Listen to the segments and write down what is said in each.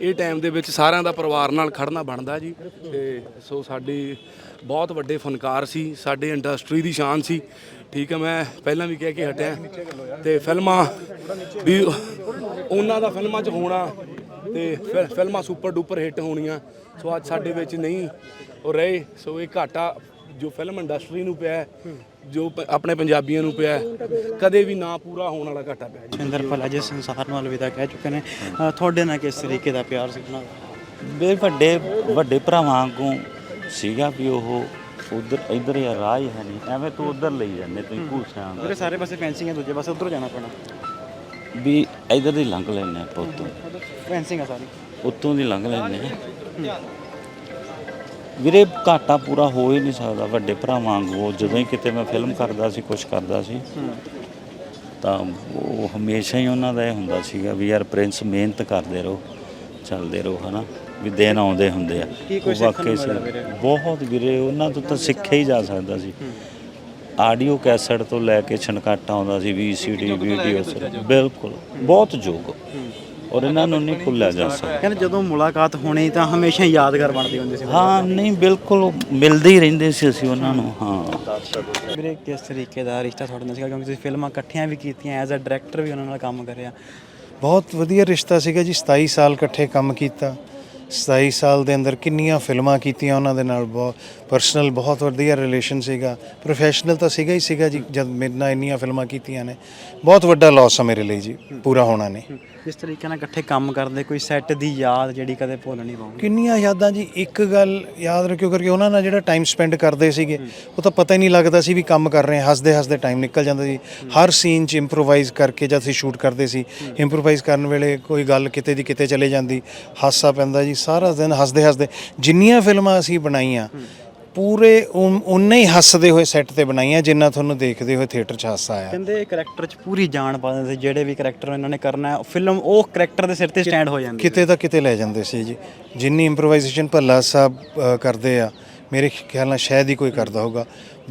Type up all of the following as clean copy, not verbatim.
ਇਹ ਟਾਈਮ ਦੇ ਵਿੱਚ ਸਾਰਿਆਂ ਦਾ ਪਰਿਵਾਰ ਨਾਲ ਖੜਨਾ ਬਣਦਾ ਜੀ। ਤੇ ਸੋ ਸਾਡੀ ਬਹੁਤ ਵੱਡੇ ਫਨਕਾਰ ਸੀ, ਸਾਡੇ ਇੰਡਸਟਰੀ ਦੀ ਸ਼ਾਨ ਸੀ। ਠੀਕ ਹੈ, ਮੈਂ ਪਹਿਲਾਂ ਵੀ ਕਹਿ ਕੇ ਹਟਿਆ ਤੇ ਫਿਲਮਾਂ ਵੀ ਉਹਨਾਂ ਦਾ ਫਿਲਮਾਂ 'ਚ ਹੋਣਾ ਤੇ ਫਿਲਮਾਂ ਸੁਪਰ ਡੂਪਰ ਹਿੱਟ ਹੋਣੀਆਂ। ਸੋ ਅੱਜ ਸਾਡੇ ਵਿੱਚ ਨਹੀਂ ਉਹ ਰਹੇ। ਸੋ ਇਹ ਘਾਟਾ ਜੋ ਫਿਲਮ ਇੰਡਸਟਰੀ ਨੂੰ ਪਿਆ, ਜੋ ਆਪਣੇ ਪੰਜਾਬੀਆਂ ਨੂੰ ਪਿਆ, ਕਦੇ ਵੀ ਨਾ ਪੂਰਾ ਹੋਣ ਵਾਲਾ ਘਾਟਾ ਪਿਆ ਜੀ। ਸਿੰਦਰ ਭੱਲਾ ਜੀ ਸੰਸਾਰ ਨੂੰ ਅਲਵਿਦਾ ਕਹਿ ਚੁੱਕੇ ਨੇ। ਤੁਹਾਡੇ ਨਾਲ ਕਿਸ ਤਰੀਕੇ ਦਾ ਪਿਆਰ ਸੀ ਉਹਨਾਂ ਦਾ? ਵੱਡੇ ਭਰਾਵਾਂ ਵਾਂਗੂ ਸੀਗਾ ਵੀ ਉਹ ਉਧਰ ਇੱਧਰ ਹੀ ਰਾਹ ਹੀ ਹੈ ਨਹੀਂ, ਐਵੇਂ ਤੂੰ ਉਧਰ ਲਈ ਜਾਂਦੇ ਤੁਸੀਂ ਭੂਸਿਆਂ ਮੇਰੇ ਸਾਰੇ ਪਾਸੇ ਫੈਂਸਿੰਗ ਹੈ, ਦੂਜੇ ਪਾਸੇ ਉੱਧਰੋਂ ਜਾਣਾ ਪੈਣਾ ਵੀ ਇੱਧਰ ਦੀ ਲੰਘ ਲੈਂਦੇ ਆਪਾਂ, ਉੱਤੋਂ ਫੈਂਸਿੰਗ ਆ ਸਾਰੀ, ਉੱਤੋਂ ਦੀ ਲੰਘ ਲੈਂਦੇ ਹਾਂ ਵੀਰੇ। ਘਾਟਾ ਪੂਰਾ ਹੋ ਹੀ ਨਹੀਂ ਸਕਦਾ ਵੱਡੇ ਭਰਾਵਾਂ ਵਾਂਗੂ। ਜਦੋਂ ਹੀ ਕਿਤੇ ਮੈਂ ਫਿਲਮ ਕਰਦਾ ਸੀ, ਕੁਛ ਕਰਦਾ ਸੀ, ਤਾਂ ਉਹ ਹਮੇਸ਼ਾ ਹੀ ਉਹਨਾਂ ਦਾ ਇਹ ਹੁੰਦਾ ਸੀਗਾ ਵੀ ਯਾਰ ਪ੍ਰਿੰਸ ਮਿਹਨਤ ਕਰਦੇ ਰਹੋ, ਚੱਲਦੇ ਰਹੋ, ਹੈ ਨਾ, ਵੀ ਦਿਨ ਆਉਂਦੇ ਹੁੰਦੇ ਆ। ਵਾਕਈ ਸੀ ਬਹੁਤ ਵੀਰੇ, ਉਹਨਾਂ ਤੋਂ ਤਾਂ ਸਿੱਖਿਆ ਹੀ ਜਾ ਸਕਦਾ ਸੀ। ਆਡੀਓ ਕੈਸਟ ਤੋਂ ਲੈ ਕੇ ਛਣਕਾਟਾ ਆਉਂਦਾ ਸੀ, VCD ਵੀਡੀਓ, ਬਿਲਕੁਲ ਬਹੁਤ ਯੋਗ, ਔਰ ਇਹਨਾਂ ਨੂੰ ਨਹੀਂ ਭੁੱਲਿਆ ਜਾ ਸਕਦਾ। ਕਹਿੰਦੇ ਜਦੋਂ ਮੁਲਾਕਾਤ ਹੋਣੀ ਤਾਂ ਹਮੇਸ਼ਾ ਯਾਦਗਾਰ ਬਣਦੀ ਹੁੰਦੀ ਸੀ। ਹਾਂ ਨਹੀਂ ਬਿਲਕੁਲ ਮਿਲਦੇ ਹੀ ਰਹਿੰਦੇ ਸੀ ਅਸੀਂ ਉਹਨਾਂ ਨੂੰ। ਹਾਂ ਵੀਰੇ ਕਿਸ ਤਰੀਕੇ ਦਾ ਰਿਸ਼ਤਾ ਤੁਹਾਡੇ ਨਾਲ ਸੀਗਾ, ਕਿਉਂਕਿ ਤੁਸੀਂ ਫਿਲਮਾਂ ਇਕੱਠੀਆਂ ਵੀ ਕੀਤੀਆਂ, ਐਜ਼ ਅ ਡਾਇਰੈਕਟਰ ਵੀ ਉਹਨਾਂ ਨਾਲ ਕੰਮ ਕਰਿਆ? ਬਹੁਤ ਵਧੀਆ ਰਿਸ਼ਤਾ ਸੀਗਾ ਜੀ। 27 ਸਾਲ ਇਕੱਠੇ ਕੰਮ ਕੀਤਾ। 27 ਸਾਲ ਦੇ ਅੰਦਰ ਕਿੰਨੀਆਂ ਫਿਲਮਾਂ ਕੀਤੀਆਂ ਉਹਨਾਂ ਦੇ ਨਾਲ। ਬਹੁਤ ਪਰਸਨਲ ਬਹੁਤ ਵਧੀਆ ਰਿਲੇਸ਼ਨ ਸੀਗਾ। ਪ੍ਰੋਫੈਸ਼ਨਲ ਤਾਂ ਸੀਗਾ ਹੀ ਸੀਗਾ ਜੀ। ਜਦ ਮੇਰੇ ਨਾਲ ਇੰਨੀਆਂ ਫਿਲਮਾਂ ਕੀਤੀਆਂ ਨੇ, ਬਹੁਤ ਵੱਡਾ ਲਾਸ ਆ ਮੇਰੇ ਲਈ ਜੀ, ਪੂਰਾ ਹੋਣਾ ਨੇ। ਜਿਸ ਤਰੀਕੇ ਨਾਲ ਇਕੱਠੇ ਕੰਮ ਕਰਦੇ, ਕੋਈ ਸੈੱਟ ਦੀ ਯਾਦ ਜਿਹੜੀ ਕਦੇ ਭੁੱਲ ਨਹੀਂ ਪਾਉਂਗੀ? ਕਿੰਨੀਆਂ ਯਾਦਾਂ ਜੀ। ਇੱਕ ਗੱਲ ਯਾਦ ਰੱਖਿਓ, ਕਰਕੇ ਉਹਨਾਂ ਨਾਲ ਜਿਹੜਾ ਟਾਈਮ ਸਪੈਂਡ ਕਰਦੇ ਸੀਗੇ, ਉਹ ਤਾਂ ਪਤਾ ਹੀ ਨਹੀਂ ਲੱਗਦਾ ਸੀ ਵੀ ਕੰਮ ਕਰ ਰਹੇ ਹਾਂ। ਹੱਸਦੇ ਹੱਸਦੇ ਟਾਈਮ ਨਿਕਲ ਜਾਂਦਾ ਸੀ। ਹਰ ਸੀਨ 'ਚ ਇੰਪਰੋਵਾਈਜ਼ ਕਰਕੇ ਜਦ ਅਸੀਂ ਸ਼ੂਟ ਕਰਦੇ ਸੀ, ਇੰਪਰੋਵਾਈਜ਼ ਕਰਨ ਵੇਲੇ ਕੋਈ ਗੱਲ ਕਿਤੇ ਦੀ ਕਿਤੇ ਚਲੇ ਜਾਂਦੀ, ਹਾਸਾ ਪੈਂਦਾ ਜੀ। ਸਾਰਾ ਦਿਨ ਹੱਸਦੇ ਹੱਸਦੇ ਜਿੰਨੀਆਂ ਫਿਲਮਾਂ ਅਸੀਂ ਬਣਾਈਆਂ, ਪੂਰੇ ਉਨੇ ਹੀ ਹੱਸਦੇ ਹੋਏ ਸੈੱਟ ਤੇ ਬਣਾਈਆਂ ਜਿੰਨਾ ਤੁਹਾਨੂੰ ਦੇਖਦੇ ਹੋਏ ਥੀਏਟਰ 'ਚ ਹਾਸਾ ਆਇਆ। ਕਹਿੰਦੇ ਕਰੈਕਟਰ 'ਚ ਪੂਰੀ ਜਾਨ ਪਾ ਦਿੰਦੇ ਸੀ। ਜਿਹੜੇ ਵੀ ਕਰੈਕਟਰ ਇਹਨਾਂ ਨੇ ਕਰਨਾ, ਫਿਲਮ ਉਹ ਕਰੈਕਟਰ ਦੇ ਸਿਰ ਤੇ ਸਟੈਂਡ ਹੋ ਜਾਂਦੀ, ਕਿਤੇ ਤਾਂ ਕਿਤੇ ਲੈ ਜਾਂਦੇ ਸੀ ਜੀ। ਜਿੰਨੀ ਇੰਪਰੋਵਾਈਜ਼ੇਸ਼ਨ ਭੱਲਾ ਸਾਹਿਬ ਕਰਦੇ ਆ, ਮੇਰੇ ਖਿਆਲ ਨਾਲ ਸ਼ਾਇਦ ਹੀ ਕੋਈ ਕਰਦਾ ਹੋਊਗਾ।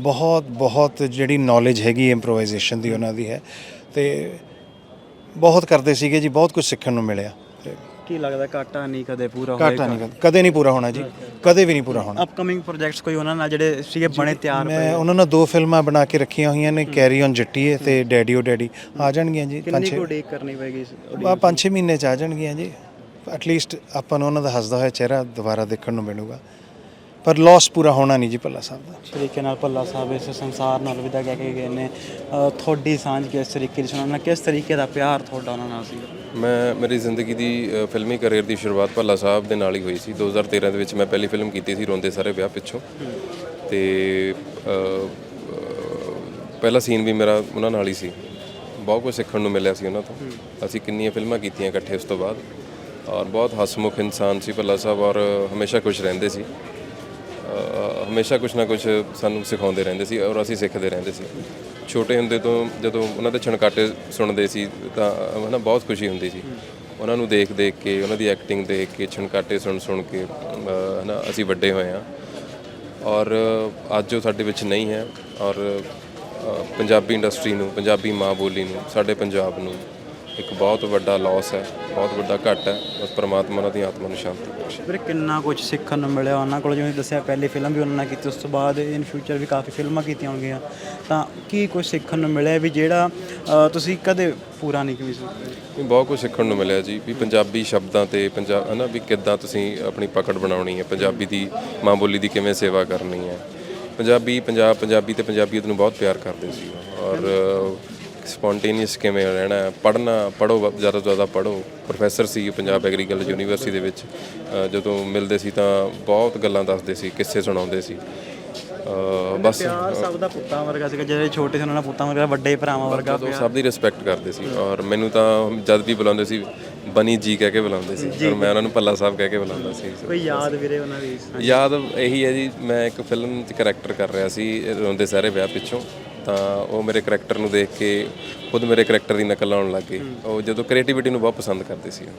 ਬਹੁਤ ਜਿਹੜੀ ਨੌਲੇਜ ਹੈਗੀ ਇੰਪਰੋਵਾਈਜ਼ੇਸ਼ਨ ਦੀ ਉਹਨਾਂ ਦੀ ਹੈ, ਤੇ ਬਹੁਤ ਕਰਦੇ ਸੀਗੇ ਜੀ। ਬਹੁਤ ਕੁਝ ਸਿੱਖਣ ਨੂੰ ਮਿਲਿਆ। ਕੀ ਲੱਗਦਾ ਘਾਟਾ ਨਹੀਂ ਕਦੇ ਪੂਰਾ ਹੋਏਗਾ? ਘਾਟਾ ਨਹੀਂ, ਕਦੇ ਨਹੀਂ ਪੂਰਾ ਹੋਣਾ ਜੀ, ਕਦੇ ਵੀ ਨਹੀਂ ਪੂਰਾ ਹੋਣਾ। ਅਪਕਮਿੰਗ ਪ੍ਰੋਜੈਕਟਸ ਕੋਈ ਉਹਨਾਂ ਨਾਲ ਜਿਹੜੇ ਸੀਗੇ ਬਣੇ ਤਿਆਰ? ਮੈਂ ਉਹਨਾਂ ਨਾਲ 2 ਫਿਲਮਾਂ ਬਣਾ ਕੇ ਰੱਖੀਆਂ ਹੋਈਆਂ ਨੇ, ਕੈਰੀ ਔਨ ਜੱਟੀਏ ਤੇ ਡੈਡੀ ਓ ਡੈਡੀ। ਆ ਜਾਣਗੀਆਂ ਜੀ। ਕਿੰਨੀ ਕੁ ਉਡੀਕ ਕਰਨੀ ਪਏਗੀ? 5-6 ਮਹੀਨੇ 'ਚ ਆ ਜਾਣਗੀਆਂ ਜੀ। ਐਟਲੀਸਟ ਆਪਾਂ ਨੂੰ ਉਹਨਾਂ ਦਾ ਹੱਸਦਾ ਹੋਇਆ ਚਿਹਰਾ ਦੁਬਾਰਾ ਦੇਖਣ ਨੂੰ ਮਿਲੂਗਾ। ਪਰ ਲਾਸ ਪੂਰਾ ਹੋਣਾ ਨਹੀਂ ਜੀ ਭੱਲਾ ਸਾਹਿਬ ਦਾ। ਤਰੀਕੇ ਨਾਲ ਭੱਲਾ ਸਾਹਿਬ ਇਸ ਸੰਸਾਰ ਨਾਲ ਅਲਵਿਦਾ ਕਹਿ ਕੇ ਗਏ ਨੇ। ਤੁਹਾਡੀ ਸਾਂਝ ਕਿਸ ਤਰੀਕੇ ਦੀ ਸੀ ਉਹਨਾਂ ਨਾਲ? ਕਿਸ ਤਰੀਕੇ ਦਾ ਪਿਆਰ ਤੁਹਾਡਾ ਉਹਨਾਂ ਨਾਲ ਸੀ? ਮੇਰੀ ਜ਼ਿੰਦਗੀ ਦੀ ਫਿਲਮੀ ਕਰੀਅਰ ਦੀ ਸ਼ੁਰੂਆਤ ਭੱਲਾ ਸਾਹਿਬ ਦੇ ਨਾਲ ਹੀ ਹੋਈ ਸੀ। 2013 ਦੇ ਵਿੱਚ ਮੈਂ ਪਹਿਲੀ ਫਿਲਮ ਕੀਤੀ ਸੀ, ਰੋਂਦੇ ਸਾਰੇ ਵਿਆਹ ਪਿੱਛੋਂ। ਤੇ ਪਹਿਲਾ ਸੀਨ ਵੀ ਮੇਰਾ ਉਹਨਾਂ ਨਾਲ ਹੀ ਸੀ। ਬਹੁਤ ਕੁਝ ਸਿੱਖਣ ਨੂੰ ਮਿਲਿਆ ਸੀ ਉਹਨਾਂ ਤੋਂ। ਅਸੀਂ ਕਿੰਨੀਆਂ ਫਿਲਮਾਂ ਕੀਤੀਆਂ ਇਕੱਠੇ ਉਸ ਤੋਂ ਬਾਅਦ, ਔਰ ਬਹੁਤ ਹਸਮੁਖ ਇਨਸਾਨ ਸੀ ਭੱਲਾ ਸਾਹਿਬ, ਔਰ ਹਮੇਸ਼ਾ ਖੁਸ਼ ਰਹਿੰਦੇ ਸੀ। ਹਮੇਸ਼ਾ ਕੁਛ ਨਾ ਕੁਛ ਸਾਨੂੰ ਸਿਖਾਉਂਦੇ ਰਹਿੰਦੇ ਸੀ, ਔਰ ਅਸੀਂ ਸਿੱਖਦੇ ਰਹਿੰਦੇ ਸੀ। ਛੋਟੇ ਹੁੰਦੇ ਤੋਂ ਜਦੋਂ ਉਹਨਾਂ ਦੇ ਛਣਕਾਟੇ ਸੁਣਦੇ ਸੀ ਤਾਂ ਹੈ ਨਾ, ਬਹੁਤ ਖੁਸ਼ੀ ਹੁੰਦੀ ਸੀ। ਉਹਨਾਂ ਨੂੰ ਦੇਖ ਕੇ, ਉਹਨਾਂ ਦੀ ਐਕਟਿੰਗ ਦੇਖ ਕੇ, ਛਣਕਾਟੇ ਸੁਣ ਕੇ ਹੈ ਨਾ, ਅਸੀਂ ਵੱਡੇ ਹੋਏ ਹਾਂ। ਔਰ ਅੱਜ ਉਹ ਸਾਡੇ ਵਿੱਚ ਨਹੀਂ ਹੈ। ਔਰ ਪੰਜਾਬੀ ਇੰਡਸਟਰੀ ਨੂੰ, ਪੰਜਾਬੀ ਮਾਂ ਬੋਲੀ ਨੂੰ, ਸਾਡੇ ਪੰਜਾਬ ਨੂੰ ਇੱਕ ਬਹੁਤ ਵੱਡਾ ਲਾਸ ਹੈ, ਬਹੁਤ ਵੱਡਾ ਘਾਟ ਹੈ। ਬਸ ਪਰਮਾਤਮਾ ਉਹਨਾਂ ਦੀ ਆਤਮਾ ਨੂੰ ਸ਼ਾਂਤੀ ਬਖਸ਼ੇ। ਵੀਰੇ ਕਿੰਨਾ ਕੁਝ ਸਿੱਖਣ ਨੂੰ ਮਿਲਿਆ ਉਹਨਾਂ ਕੋਲ? ਜਿਵੇਂ ਦੱਸਿਆ ਪਹਿਲੀ ਫਿਲਮ ਵੀ ਉਹਨਾਂ ਨਾਲ ਕੀਤੀ, ਉਸ ਤੋਂ ਬਾਅਦ ਇਨ ਫਿਊਚਰ ਵੀ ਕਾਫੀ ਫਿਲਮਾਂ ਕੀਤੀਆਂ ਹੋਣਗੀਆਂ, ਤਾਂ ਕੀ ਕੁਝ ਸਿੱਖਣ ਨੂੰ ਮਿਲਿਆ ਵੀ ਜਿਹੜਾ ਤੁਸੀਂ ਕਦੇ ਪੂਰਾ ਨਹੀਂ ਕੀਤੀ ਸੀ? ਬਹੁਤ ਕੁਝ ਸਿੱਖਣ ਨੂੰ ਮਿਲਿਆ ਜੀ, ਵੀ ਪੰਜਾਬੀ ਸ਼ਬਦਾਂ ਤੇ ਪੰਜਾਬ ਹੈ ਨਾ, ਵੀ ਕਿੱਦਾਂ ਤੁਸੀਂ ਆਪਣੀ ਪਕੜ ਬਣਾਉਣੀ ਹੈ, ਪੰਜਾਬੀ ਦੀ ਮਾਂ ਬੋਲੀ ਦੀ ਕਿਵੇਂ ਸੇਵਾ ਕਰਨੀ ਹੈ। ਪੰਜਾਬੀ ਤੇ ਪੰਜਾਬੀਅਤ ਨੂੰ ਬਹੁਤ ਪਿਆਰ ਕਰਦੇ ਸੀ, ਔਰ ਸਪੌਂਟੇਨੀਅਸ ਕਿਵੇਂ ਰਹਿਣਾ, ਪੜ੍ਹੋ, ਜ਼ਿਆਦਾ ਤੋਂ ਜ਼ਿਆਦਾ ਪੜ੍ਹੋ। ਪ੍ਰੋਫੈਸਰ ਸੀ ਪੰਜਾਬ ਐਗਰੀਕਲਚਰ ਯੂਨੀਵਰਸਿਟੀ ਦੇ ਵਿੱਚ। ਜਦੋਂ ਮਿਲਦੇ ਸੀ ਤਾਂ ਬਹੁਤ ਗੱਲਾਂ ਦੱਸਦੇ ਸੀ, ਕਿੱਸੇ ਸੁਣਾਉਂਦੇ ਸੀ। ਬਸ ਪਿਆਰ ਸਭ ਦਾ ਪੁੱਤਾਂ ਵਰਗਾ ਸੀਗਾ। ਜਿਹੜੇ ਛੋਟੇ ਸੀ ਉਹਨਾਂ ਨਾਲ ਪੁੱਤਾਂ ਵਰਗਾ, ਵੱਡੇ ਭਰਾਵਾਂ ਵਰਗਾ। ਸਭ ਦੀ ਰਿਸਪੈਕਟ ਕਰਦੇ ਸੀ, ਔਰ ਮੈਨੂੰ ਤਾਂ ਜਦ ਵੀ ਬੁਲਾਉਂਦੇ ਸੀ ਬਨੀ ਜੀ ਕਹਿ ਕੇ ਬੁਲਾਉਂਦੇ ਸੀ, ਔਰ ਮੈਂ ਉਹਨਾਂ ਨੂੰ ਭੱਲਾ ਸਾਹਿਬ ਕਹਿ ਕੇ ਬੁਲਾਉਂਦਾ ਸੀ। ਕੋਈ ਯਾਦ ਵੀਰੇ ਉਹਨਾਂ ਦੀ? ਯਾਦ ਇਹੀ ਹੈ ਜੀ, ਮੈਂ ਇੱਕ ਫਿਲਮ 'ਚ ਕਰੈਕਟਰ ਕਰ ਰਿਹਾ ਸੀ, ਰੋਂਦੇ ਸਾਰੇ ਵਿਆਹ ਪਿੱਛੋਂ। ਤਾਂ ਉਹ ਮੇਰੇ ਕਰੈਕਟਰ ਨੂੰ ਦੇਖ ਕੇ ਖੁਦ ਮੇਰੇ ਕਰੈਕਟਰ ਦੀ ਨਕਲ ਲਾਉਣ ਲੱਗ ਗਏ। ਉਹ ਜਦੋਂ ਕ੍ਰੀਏਟੀਵਿਟੀ ਨੂੰ ਬਹੁਤ ਪਸੰਦ ਕਰਦੇ ਸੀ।